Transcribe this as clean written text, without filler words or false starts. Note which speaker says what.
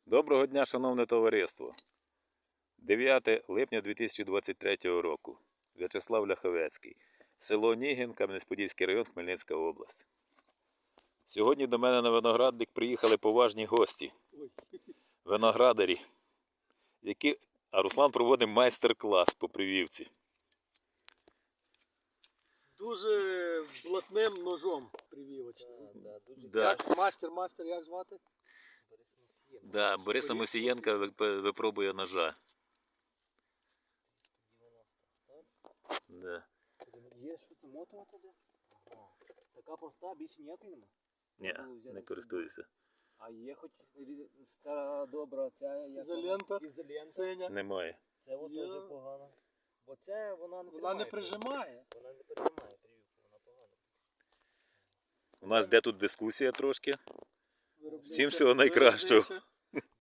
Speaker 1: Доброго дня, шановне товариство. 9 липня 2023 року. В'ячеслав Ляховецький. Село Нігін, Кам'янець-Подільський район, Хмельницька область. Сьогодні до мене на виноградник приїхали поважні гості. Виноградарі. А Руслан проводить майстер-клас по прививці.
Speaker 2: Дуже блатним ножом прививочним.
Speaker 1: Да.
Speaker 2: Як мастер, як звати?
Speaker 1: Да, Бориса Мусієнка випробує ножа. Да.
Speaker 3: Є, що це мотова туди? Ага. Така проста, більше ніякої нема?
Speaker 1: Ні, не користуюся.
Speaker 3: А є хоч стара добра ця як
Speaker 2: Ізолента.
Speaker 3: Ізолента.
Speaker 2: Синя.
Speaker 1: Немає.
Speaker 3: Це от
Speaker 2: Є.
Speaker 3: дуже погано. Бо це вона не
Speaker 2: Вона не
Speaker 3: тримає.
Speaker 2: прижимає.
Speaker 3: Вона не прижимає прививку, вона погана.
Speaker 1: У нас де тут дискусія трошки.
Speaker 2: Виробнича.
Speaker 1: Всім всього найкращого.
Speaker 2: Виробнича.